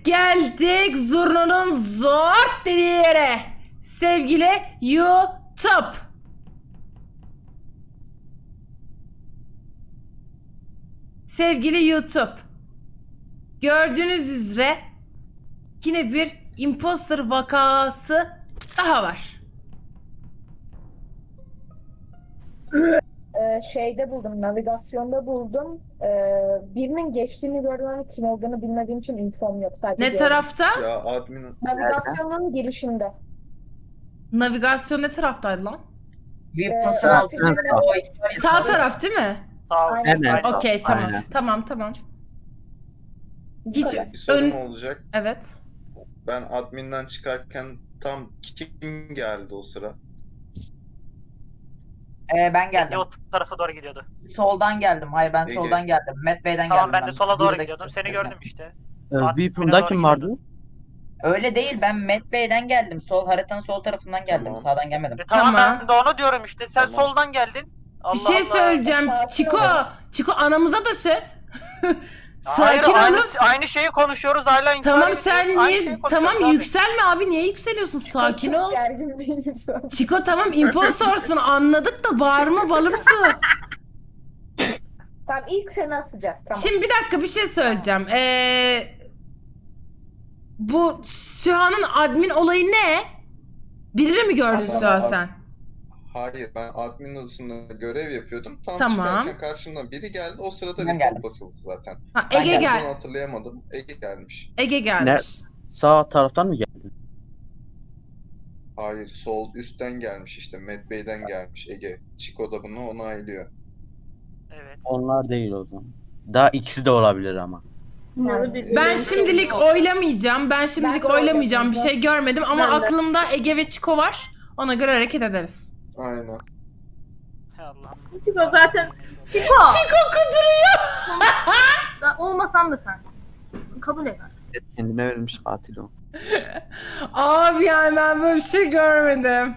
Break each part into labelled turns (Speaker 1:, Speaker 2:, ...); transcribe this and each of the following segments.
Speaker 1: Geldik zurnanın zor dediği yere. Sevgili YouTube. Sevgili YouTube. Gördüğünüz üzere yine bir imposter vakası daha var.
Speaker 2: Şeyde buldum, navigasyonda buldum. Birinin geçtiğini gördüm ama kim olduğunu bilmediğim için infom yok. Sadece
Speaker 1: Ne
Speaker 2: gördüm.
Speaker 1: tarafta?
Speaker 3: Ya admin
Speaker 2: Navigasyonun girişinde.
Speaker 1: Navigasyon ne taraftaydı lan?
Speaker 4: Weapons'ın
Speaker 2: Ee,
Speaker 4: altında
Speaker 2: Sağ-
Speaker 4: o işler
Speaker 1: Sağ taraf değil mi?
Speaker 2: Aynen.
Speaker 4: Evet.
Speaker 1: Okey, tamam.
Speaker 4: Aynen.
Speaker 1: Tamam.
Speaker 2: Bu
Speaker 1: Hiç
Speaker 2: kadar.
Speaker 3: bir sorum
Speaker 1: ön...
Speaker 3: olacak.
Speaker 1: Evet.
Speaker 3: Ben adminden çıkarken tam kim geldi o sıra?
Speaker 4: Ben geldim.
Speaker 5: O tarafa doğru gidiyordu.
Speaker 4: Soldan geldim. Hayır ben
Speaker 3: Ege.
Speaker 4: soldan geldim. Matt Bey'den
Speaker 5: Tamam
Speaker 4: geldim.
Speaker 5: ben de sola doğru
Speaker 4: Bir
Speaker 5: gidiyordum.
Speaker 4: dakika
Speaker 5: Seni
Speaker 4: sonra.
Speaker 5: gördüm işte.
Speaker 6: Weapon'da kim vardı?
Speaker 4: Öyle değil, ben Matt Bey'den geldim. Sol haritanın sol tarafından geldim.
Speaker 3: Tamam.
Speaker 4: Sağdan gelmedim.
Speaker 5: Tamam,
Speaker 1: Tamam.
Speaker 5: ben de onu diyorum işte. Sen
Speaker 3: Tamam.
Speaker 5: soldan geldin. Allah
Speaker 1: Bir şey
Speaker 5: Allah.
Speaker 1: söyleyeceğim.
Speaker 2: Sakin
Speaker 1: Çiko,
Speaker 2: olun.
Speaker 1: Çiko anamıza da söv.
Speaker 5: Hayır,
Speaker 1: Sakin
Speaker 5: aynı,
Speaker 1: olun.
Speaker 5: aynı şeyi konuşuyoruz hala. inkar
Speaker 1: Tamam
Speaker 5: ediyorsun.
Speaker 1: sen
Speaker 5: Aynı
Speaker 1: niye
Speaker 5: şeyi konuşuyoruz
Speaker 1: tamam
Speaker 5: abi.
Speaker 1: yükselme abi, niye yükseliyorsun? Sakin ol.
Speaker 2: Gergin bir insan.
Speaker 1: Çiko tamam impostorsun anladık da bağırma balımsı.
Speaker 2: Tamam, ilk seni asacağız. Tamam.
Speaker 1: Şimdi bir dakika bir şey söyleyeceğim. Bu Süha'nın admin olayı ne? Birini mi gördün
Speaker 3: Tamam.
Speaker 1: Süha sen?
Speaker 3: Hayır, ben admin odasında görev yapıyordum. Tam
Speaker 1: Tamam.
Speaker 3: çıkarken karşımdan biri geldi. O sırada
Speaker 4: Ben
Speaker 3: report
Speaker 4: geldim.
Speaker 3: basıldı zaten.
Speaker 1: Ha,
Speaker 4: Ben
Speaker 1: Ege
Speaker 4: geldim.
Speaker 1: gel.
Speaker 3: Bunu hatırlayamadım. Ege gelmiş.
Speaker 1: Ege gelmiş.
Speaker 6: Sağ taraftan mı geldi?
Speaker 3: Hayır, sol üstten gelmiş işte. Matt Bey'den gelmiş Ege. Chico da bunu onaylıyor.
Speaker 5: Evet.
Speaker 6: Onlar değil o zaman. Daha ikisi de olabilir ama.
Speaker 1: Ben şimdilik oylamayacağım. Ben şimdilik
Speaker 2: Ben de
Speaker 1: oylamayacağım. Bir
Speaker 2: oylamayacağım.
Speaker 1: şey görmedim ama
Speaker 2: Ben de.
Speaker 1: aklımda Ege ve Çiko var. Ona göre hareket ederiz.
Speaker 3: Aynen.
Speaker 5: Hay Allah'ım.
Speaker 7: Çiko zaten. Çiko!
Speaker 1: Çiko kuduruyor.
Speaker 7: Ben olmasam da sensin. Kabul eder.
Speaker 6: Kendine verilmiş katil o.
Speaker 1: Abi yani ben böyle bir şey görmedim.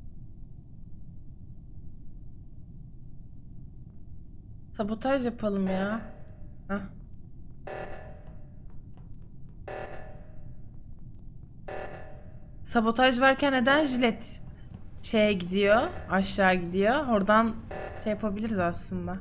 Speaker 1: Sabotaj yapalım ya. Hah. Sabotaj varken neden jilet şeye gidiyor, aşağı gidiyor? Oradan şey yapabiliriz aslında.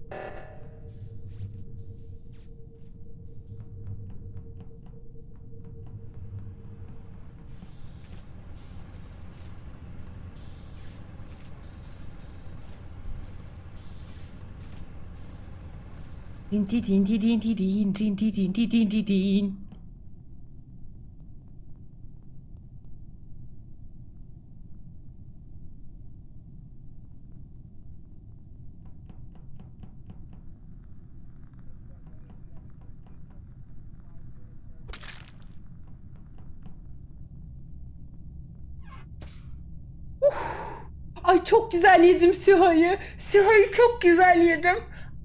Speaker 1: Din din din din din din din din din din din din din. Ay çok güzel yedim Süha'yı. Süha'yı çok güzel yedim.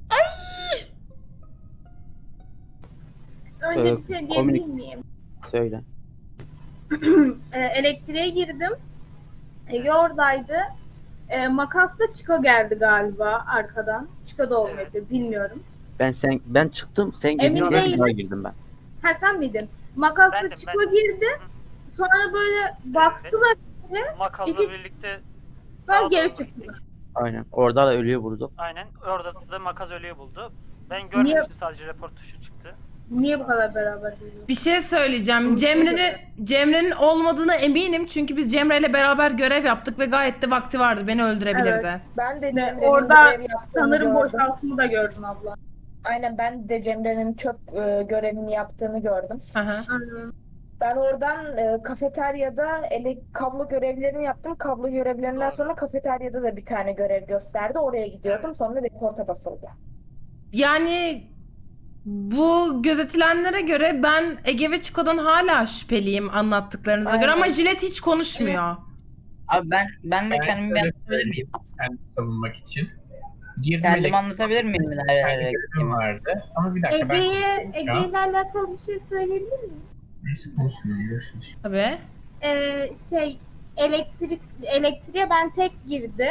Speaker 7: Önce bir şey diyebilir miyim?
Speaker 6: Söyle.
Speaker 7: Elektriğe girdim. Ege oradaydı. Makasla Çiko geldi galiba arkadan. Çiko da olmadı, bilmiyorum.
Speaker 6: Ben çıktım, sen
Speaker 7: Emin
Speaker 6: girdin diye
Speaker 7: değilim.
Speaker 6: daha girdim ben.
Speaker 7: Ha sen miydin? Makasla
Speaker 5: Bendim,
Speaker 7: Çiko
Speaker 5: ben.
Speaker 7: girdi. Sonra böyle baktılar.
Speaker 5: Makasla
Speaker 7: İki-
Speaker 5: birlikte
Speaker 7: Sonra
Speaker 5: sağa
Speaker 7: geri
Speaker 5: doğru
Speaker 7: çıktılar.
Speaker 5: gittik.
Speaker 6: Aynen. Orada da ölüyü vurdu.
Speaker 5: Aynen. Orada da makas ölüyü buldu. Ben görmemiştim, sadece report tuşu çıktı.
Speaker 7: Niye bu kadar beraber geliyor?
Speaker 1: Bir şey söyleyeceğim. Cemre'nin olmadığına eminim çünkü biz Cemre ile beraber görev yaptık ve gayet de vakti vardı. Beni öldürebilirdi.
Speaker 7: Evet.
Speaker 2: Ben de
Speaker 7: Ve
Speaker 2: Cemre'nin
Speaker 7: orada
Speaker 2: görev yaptığını
Speaker 7: sanırım
Speaker 2: gördüm.
Speaker 7: boşaltımı da gördün abla.
Speaker 2: Aynen, ben de Cemre'nin çöp görevini yaptığını gördüm.
Speaker 1: Aha.
Speaker 2: Ben oradan kafeteryada kablo görevlerini yaptım. Kablo görevlerinden
Speaker 5: Doğru.
Speaker 2: sonra kafeteryada da bir tane görev gösterdi. Oraya gidiyordum. Sonra reporta basıldı.
Speaker 1: Yani bu gözetilenlere göre ben Ege ve Çiko'dan hala şüpheliyim anlattıklarınıza göre ama
Speaker 2: Aynen.
Speaker 1: Jilet hiç konuşmuyor.
Speaker 4: Abi ben de kendimi
Speaker 8: şöyle
Speaker 4: anlatabilir miyim?
Speaker 8: Kendimi savunmak için. Girdim
Speaker 4: Kendimi anlatabilir miyim? Nerelere
Speaker 8: görevim
Speaker 4: gittiğimi?
Speaker 8: vardı. Ama bir dakika ben
Speaker 7: Ege ile alakalı bir şey söyleyebilir miyim?
Speaker 8: neyse konuşmuyorum. Görüşürüz.
Speaker 1: Tabii.
Speaker 7: Elektriğe ben tek girdim.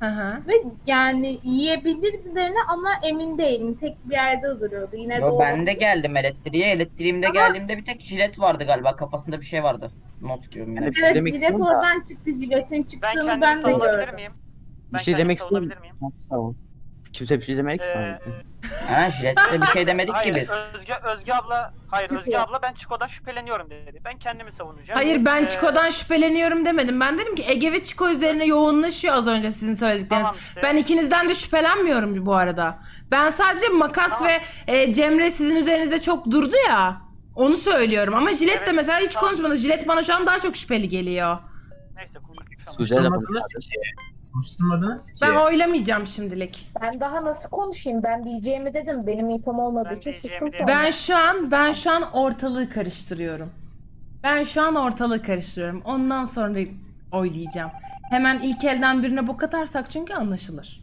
Speaker 1: Hı hı.
Speaker 7: Ve yani yiyebilirdilerini ama emin değilim. Tek bir yerde duruyordu. Yine de
Speaker 4: Yo, ben de
Speaker 7: olabilir.
Speaker 4: geldim elektriğe. Elektriğimde geldiğimde bir tek jilet vardı galiba. Kafasında bir şey vardı. Not gibi mi?
Speaker 6: Yani
Speaker 4: ne?
Speaker 6: bir şey
Speaker 7: Evet,
Speaker 6: demek
Speaker 7: jilet
Speaker 6: istiyorum da-
Speaker 7: oradan çıktı. Jiletin
Speaker 5: Ben
Speaker 7: çıktığını
Speaker 5: kendimi
Speaker 7: ben de
Speaker 5: savunabilir
Speaker 7: gördüm.
Speaker 5: miyim?
Speaker 6: Bir
Speaker 5: Ben
Speaker 6: şey
Speaker 5: kendimi
Speaker 6: demek istiyorum.
Speaker 5: savunabilir miyim?
Speaker 6: Tamam. Kimse bir şey demek ki
Speaker 5: Ee,
Speaker 6: sana.
Speaker 4: Ha, jilette bir şey demedik ki
Speaker 5: Hayır,
Speaker 4: biz.
Speaker 5: Özge abla, hayır Özge abla ben Chico'dan şüpheleniyorum dedi. Ben kendimi savunacağım.
Speaker 1: Hayır ben
Speaker 5: Ee,
Speaker 1: Chico'dan şüpheleniyorum demedim. Ben dedim ki Ege ve Chico üzerine yoğunlaşıyor az önce sizin söyledikleriniz.
Speaker 5: Tamam işte.
Speaker 1: Ben ikinizden de şüphelenmiyorum bu arada. Ben sadece Makas
Speaker 5: Tamam.
Speaker 1: ve Cemre sizin üzerinizde çok durdu ya. Onu söylüyorum ama Jilet de
Speaker 5: Evet,
Speaker 1: mesela hiç
Speaker 5: tamam.
Speaker 1: konuşmadı. Jilet bana şu an daha çok şüpheli geliyor.
Speaker 5: Neyse konuşacağım.
Speaker 6: Güzel de
Speaker 8: Konuşturmadınız ki. Konuşturmadınız ki.
Speaker 1: Ben oylamayacağım şimdilik.
Speaker 2: Ben daha nasıl konuşayım? Ben diyeceğimi dedim. Benim infom olmadığı
Speaker 5: Ben
Speaker 2: için
Speaker 5: diyeceğimi
Speaker 2: sustum
Speaker 5: dedim.
Speaker 2: sonra.
Speaker 1: Ben şu an ortalığı karıştırıyorum. Ben şu an ortalığı karıştırıyorum. Ondan sonra oylayacağım. Hemen ilk elden birine bok atarsak çünkü anlaşılır.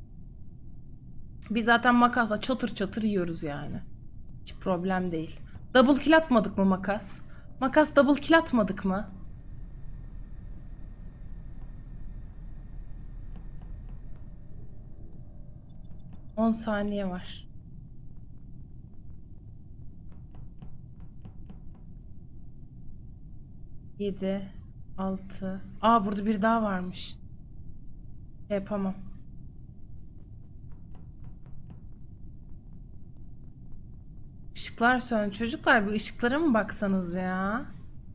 Speaker 1: Biz zaten makasla çatır çatır yiyoruz yani. Hiç problem değil. Double kill atmadık mı Makas? Makas double kill atmadık mı? On saniye var. Yedi, 6. Aa burada bir daha varmış. Yapamam. Işıklar söndü. Çocuklar bir ışıklara mı baksanız ya?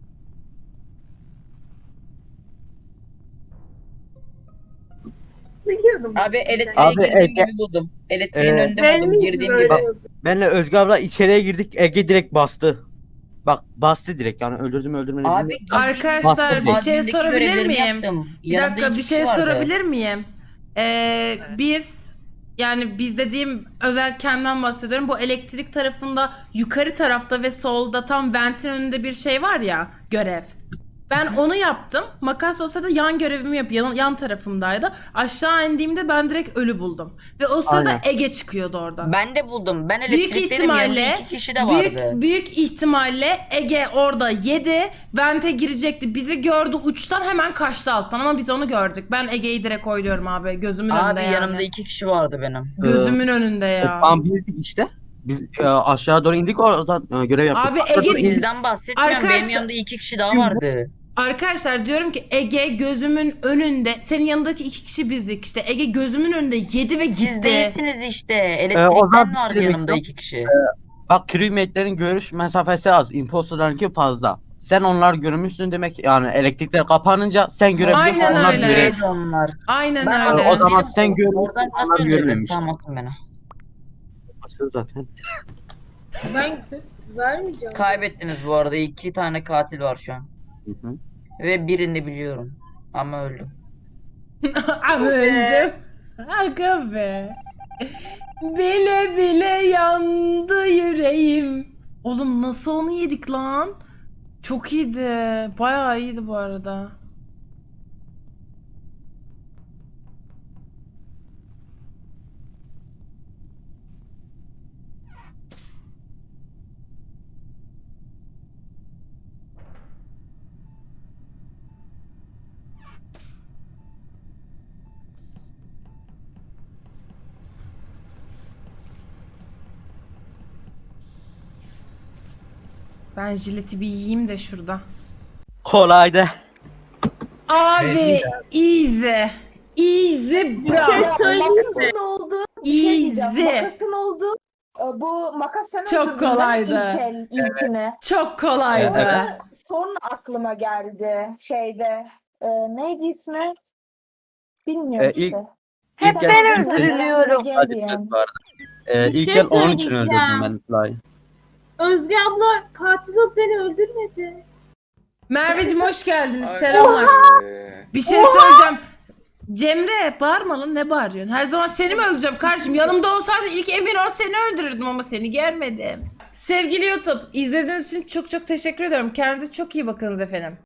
Speaker 7: Biliyordum.
Speaker 4: Abi elektriğe
Speaker 6: Abi,
Speaker 4: girdiğim
Speaker 6: Ege-
Speaker 4: gibi buldum. Elektriğin önünde
Speaker 7: Ben
Speaker 4: buldum
Speaker 7: miydim
Speaker 4: girdiğim
Speaker 7: öyle?
Speaker 4: gibi.
Speaker 6: Benle Özgür abla içeriye girdik. Ege direkt bastı. Bak bastı direkt yani öldürdüm öldürmedim.
Speaker 4: Abi
Speaker 6: bilmiyorum.
Speaker 1: Arkadaşlar bir şey
Speaker 4: Admindeki
Speaker 1: sorabilir
Speaker 4: görevlerimi
Speaker 1: miyim?
Speaker 4: yaptım.
Speaker 1: Bir
Speaker 4: Yanımda
Speaker 1: dakika
Speaker 4: iki
Speaker 1: bir
Speaker 4: kişi
Speaker 1: şey
Speaker 4: vardı.
Speaker 1: sorabilir miyim? Biz yani biz dediğim özel kendimden bahsediyorum. Bu elektrik tarafında yukarı tarafta ve solda tam ventin önünde bir şey var ya görev. Ben onu yaptım. Makas olsa da yan görevimi yan tarafımdaydı. Aşağı indiğimde ben direkt ölü buldum. Ve o sırada
Speaker 6: Aynen.
Speaker 1: Ege çıkıyordu oradan.
Speaker 4: Ben de buldum. Ben
Speaker 1: Büyük
Speaker 4: elektrikteydim. Yanımda
Speaker 1: ihtimalle
Speaker 4: iki kişi de vardı.
Speaker 1: büyük ihtimalle Ege orada yedi. Vente girecekti. Bizi gördü uçtan hemen kaçtı alttan ama biz onu gördük. Ben Ege'yi direkt oyluyorum abi. Gözümün
Speaker 4: Abi
Speaker 1: önünde yani.
Speaker 4: yanımda iki kişi vardı benim.
Speaker 1: Gözümün önünde ya.
Speaker 6: Tam bildik işte. Biz aşağı doğru indik oradan görev yaptık.
Speaker 1: Abi
Speaker 6: Aşağı
Speaker 1: Ege-
Speaker 6: doğru indik.
Speaker 4: Sizden bahsetmiyorum.
Speaker 1: Arkadaşlar-
Speaker 4: Benim yanımda iki kişi daha vardı.
Speaker 1: Arkadaşlar diyorum ki Ege gözümün önünde. Senin yanındaki iki kişi bizdik işte. Ege gözümün önünde yedi ve
Speaker 4: Siz
Speaker 1: gitti.
Speaker 4: değilsiniz işte.
Speaker 6: o
Speaker 4: Elektrikten
Speaker 6: zaman
Speaker 4: vardı
Speaker 6: demek
Speaker 4: yanımda
Speaker 6: yok.
Speaker 4: iki kişi.
Speaker 6: Bak crewmate'lerin görüş mesafesi az. Imposterlarınki fazla. Sen onlar görmüşsün demek yani elektrikler kapanınca sen görebiliyorsun
Speaker 1: Aynen
Speaker 6: onlar
Speaker 1: öyle.
Speaker 6: görev.
Speaker 4: Neydi onlar?
Speaker 1: Aynen
Speaker 4: Ben
Speaker 1: öyle.
Speaker 6: O zaman
Speaker 4: dedim,
Speaker 6: sen görmüşsün,
Speaker 4: oradan nasıl
Speaker 6: onlar
Speaker 4: öldürdün?
Speaker 6: görmemiş.
Speaker 4: Tamam atın beni.
Speaker 6: Zaten.
Speaker 7: Ben vermeyeceğim.
Speaker 4: Kaybettiniz bu arada. İki tane katil var şu an.
Speaker 6: Hı hı.
Speaker 4: Ve birini biliyorum. Ama öldüm.
Speaker 1: Ama öldüm. Aga be. Bile bile yandı yüreğim. Oğlum nasıl onu yedik lan? Çok iyiydi. Bayağı iyiydi bu arada. Ben jileti bir yiyeyim de şurada.
Speaker 6: Kolaydı.
Speaker 1: Abi easy. Easy
Speaker 7: Bir
Speaker 1: bro.
Speaker 7: şey söyleyeyim mi?
Speaker 2: Makasın oldu. Bir şey diyeceğim.
Speaker 1: Easy.
Speaker 2: Makasın oldu. Bu makas sen
Speaker 1: Çok
Speaker 2: öldürdün değil mi
Speaker 1: kolaydı.
Speaker 2: ilkini.
Speaker 1: Çok kolaydı.
Speaker 2: Sonra aklıma geldi şeyde. Neydi ismi? Bilmiyorum
Speaker 6: İlk-
Speaker 2: işte.
Speaker 6: İlk
Speaker 2: Sen
Speaker 6: el
Speaker 2: öldürüyorum.
Speaker 6: Hadi evet, bu arada.
Speaker 7: Bir
Speaker 6: İlk
Speaker 7: şey
Speaker 6: el onun için
Speaker 7: söyleyeceğim.
Speaker 6: öldürdüm ben Fly'ı.
Speaker 7: Özge abla katil olup beni öldürmedi.
Speaker 1: Merveciğim hoş geldiniz.
Speaker 3: Ay,
Speaker 1: Selamlar.
Speaker 3: be.
Speaker 1: Bir şey söyleyeceğim. Cemre bağırma lan ne bağırıyorsun? Her zaman seni mi öldüreceğim kardeşim? Yanımda olsaydı ilk emin ol seni öldürürdüm ama seni görmedim. Sevgili YouTube izlediğiniz için çok çok teşekkür ediyorum. Kendinize çok iyi bakınız efendim.